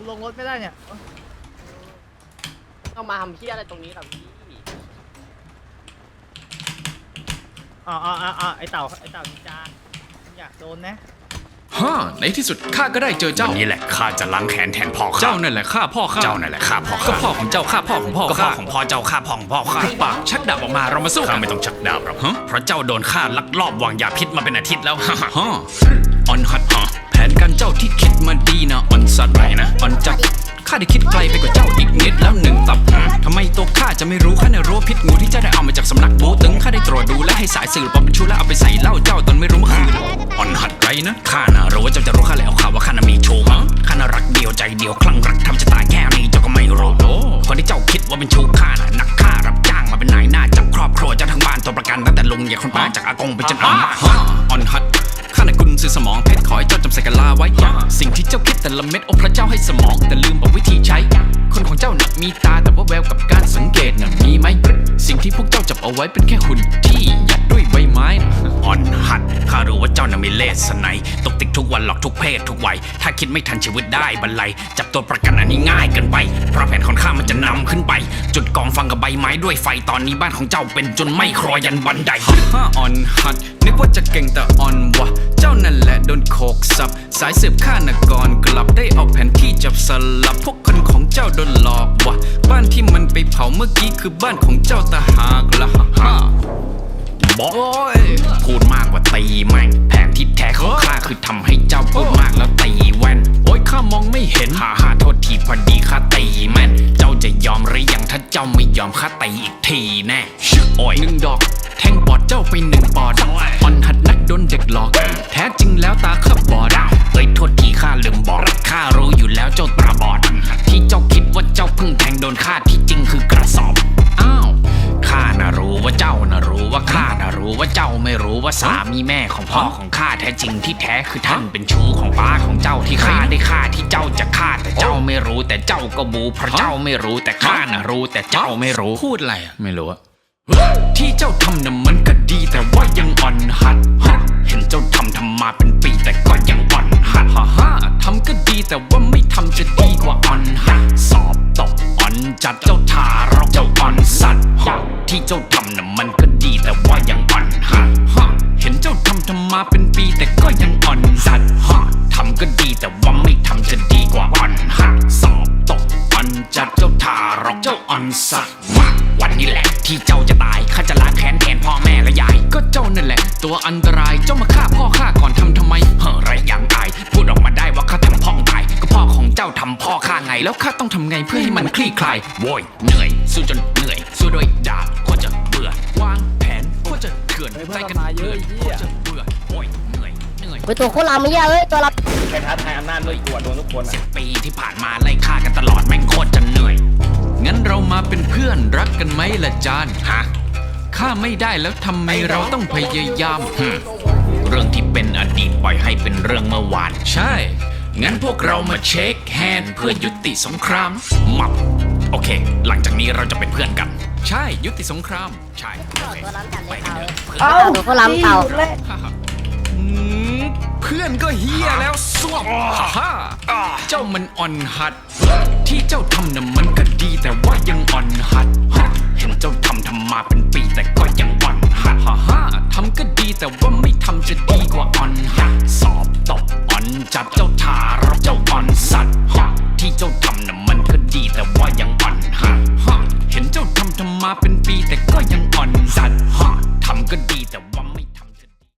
ลงรถไม่ได้เนี่ยต้องมาทำเพี้ยอะไรตรงนี้ครับพี่ไอเต่านินจาอยากโดนนะฮ่าในที่สุดข้าก็ได้เจอเจ้าวันนี้แหละข้าจะล้างแค้นแทนพ่อข้าเจ้านั่นแหละฆ่าพ่อข้าเจ้านั่นแหละฆ่าพ่อก็ข้าพ่อของเจ้าฆ่าพ่อของพ่อก็พ่อข้าของพ่อเจ้าฆ่าพ่อของพ่อข้าปากชักดาบออกมาเรามาสู้ข้ากันไม่ต้องชักดาบหรอกฮะเพราะเจ้าโดนข้าลักลอบวางยาพิษมาเป็นอาทิตย์แล้วฮ่าออนฮัดแผนการเจ้าที่คิดมาดีนะออนสัตว์ไหนนะออนจัดข้าได้คิดไกลไปกว่าเจ้าอีกนิดแล้วหนึ่งตับทำไมตัวข้าจะไม่รู้ข้าในรู้พิษงูที่เจ้าได้เอามาจากสำนักบูตึงข้าได้ตรวจดูและให้สายสืบปลอมเป็นชูแล้วเอาไปใส่เหล้าเจ้าตอนไม่รู้เมื่อคืนออนฮัดไรนะข้าน่ะรู้ว่าเจ้าจะรู้ข้าแล้วข่าวว่าข้าน่ะมีชู้ข้าน่ะรักเดียวใจเดียวคลั่งรักทำจะตายแค่นี้เจ้าก็ไม่รู้คนที่เจ้าคิดว่าเป็นชู้ข้าน่ะนักฆ่ารับจ้างมาเป็นนายหน้าจับครอบครัวเจ้าทั้งบ้านตัวประกันตั้งแต่ลุงใหญ่คนป้าจากอากงไปจนอาม่าออนฮัดข้าในกุญซื้อสมองเพชรขอให้เจ้าจำใส่กะลาไว้ สิ่งที่เจ้าคิดแต่ละเม็ดโอ้พระเจ้าให้สมองแต่ลืมบอกวิธีใช้ คนของเจ้าน่ะมีตาแต่ว่าแววกับการสังเกตน่ะมีไหมสิ่งที่พวกเจ้าจับเอาไว้เป็นแค่หุ่นที่ยัดด้วยใบไม้น่ะอ่อนหัดข้ารู้ว่าเจ้าน่ะมีเลสไนตกติดทุกวันหลอกทุกเพศทุกวัยถ้าคิดไม่ทันชีวิตได้บรรลัยจับตัวประกันอันนี้ง่ายเกินไปเพราะแผนของข้ามันจะนำขึ้นไป จุดกองฟังกับใบไม้ด้วยไฟตอนนี้บ้านของเจ้าเป็นจนไม่ครอยันบันไดฮ่าออนฮัดนึกว่าจะเก่งแต่ออนวะเจ้านั่นแหละโดนโขกสับสายสืบข้านกรกลับได้เอาแผนที่จับสลับพวกคนของเจ้าโดนหลอกวะบ้านที่มันไปเผาเมื่อกี้คือบ้านของเจ้าตาหากละฮ่าบอกพูดมากกว่าตีแม่งแผนที่แท้ของข้าคือทำให้เจ้าพูดมากแล้วตีแว่นโอ้ยข้ามองไม่เห็นฮ่าโทษทีพอดีข้าตีแม่นเจ้าจะยอมหรือยังถ้าเจ้าไม่ยอมข้าตีอีกทีแน่โอ้ยหนึ่งดอกแทงปอดเจ้าไปหนึ่งปอดออนหัดนักโดนเด็กหลอกแท้จริงแล้วตาข้าบอดเอ้ยโทษทีข้าลืมบอกข้ารู้อยู่แล้วเจ้าตาบอดที่เจ้าคิดว่าเจ้าเพิ่งแทงโดนข้าที่จริงคือกระสอบอ้าวข้าน่ะรู้ว่าเจ้าน่ะรู้ว่าข้าน่ะรู้ว่าเจ้าไม่รู้ว่าสามีแม่ของพ่อของข้าแท้จริงที่แท้คือท่านเป็นชู้ของป้าของเจ้าที่ข้าได้ฆ่าที่เจ้าจะฆ่าแต่เจ้าไม่รู้แต่เจ้าก็บูเพราะเจ้าไม่รู้แต่ข้าน่ะรู้แต่เจ้าไม่รู้พูดอะไรอะไม่รู้อะที่เจ้าทำน่ะมันก็ดีแต่ว่ายังอ่อนหัดเห็นเจ้าทำมาเป็นปีแต่ก็ยังอ่อนหัดฮ่าทำก็ดีแต่ว่าไม่ทำจะดีกว่าอ่อนหัดสอบตกอ่อนจัดเจ้าทารกเจ้าอ่อนสัตว์ที่เจ้าทำน่ะมันก็ดีแต่ว่ายังอ่อนหัดเห็นเจ้าทำมาเป็นปีแต่ก็ยังอ่อนสัตว์ทำก็ดีแต่ว่าไม่ทำจะดีกว่าอ่อนหัดสอบตกอ่อนจัดเจ้าทารกเจ้าอ่อนสัตว์มาวันนี้แหละที่เจ้าจะตายข้าจะล้างแค้นแทนพ่อแม่และยายก็เจ้านั่นแหละ ตัวอันตรายเจ้ามาฆ่าพ่อข้าก่อนทำไมเฮ้อไรอย่างตายพูดออกมาได้ว่าข้าทำพ่อตายก็พ่อของเจ้าทำพ่อข้าไงแล้วข้าต้องทำไงเพื่อให้มันคลี่คลายโว้ยเหนื่อยสู้จนเหนื่อยสู้ด้วยดาบโคตรจะเบื่อวางแผนโคตรจะเถื่อนใจกันเถื่อนโคตรจะเบื่อโอ้ยเหนื่อยไปตัวโคตรลามไม่ยากเอ้ยตัวเราไปท้าทายอำนาจด้วยกลัวโดนทุกคนอ่ะ 10 ปีที่ผ่านมาไล่ฆ่ากันตลอดแม่งโคตรจะเหนื่อยงั้นเรามาเป็นเพื่อนรักกันไหมล่ะจานฮะข้าไม่ได้แล้วทำไมเราต้องพยายามเรื่องที่เป็นอดีตปล่อยให้เป็นเรื่องเมื่อวานใช่งั้นพวกเรามาเช็คแฮนด์เพื่อยุติสงครามมับโอเค หลังจากนี้เราจะเป็นเพื่อนกันใช่ยุติสงครามใช่ตัวล้ำจัดเลยเต่าเพื่อนตัวโคตรลามเต่าเพื่อนก็เฮียแล้วส้วมฮ่าเจ้ามันอ่อนหัด ที่เจ้าทำน่ะมันก็ดีแต่ว่ายังอ่อนหัดเห็นเจ้าทำมาเป็นปีแต่ก็ยังอ่อนหัดฮ่าทำก็ดีแต่ว่าไม่ทำจะดีกว่าอ่อนหัดสอบตกอ่อนจัดเจ้าทารกเจ้าอ่อนสัตว์ที่เจ้าทำน่ะมันก็ดีแต่ว่ายังอ่อนหัดเห็นเจ้าทำมาเป็นปีแต่ก็ยังอ่อน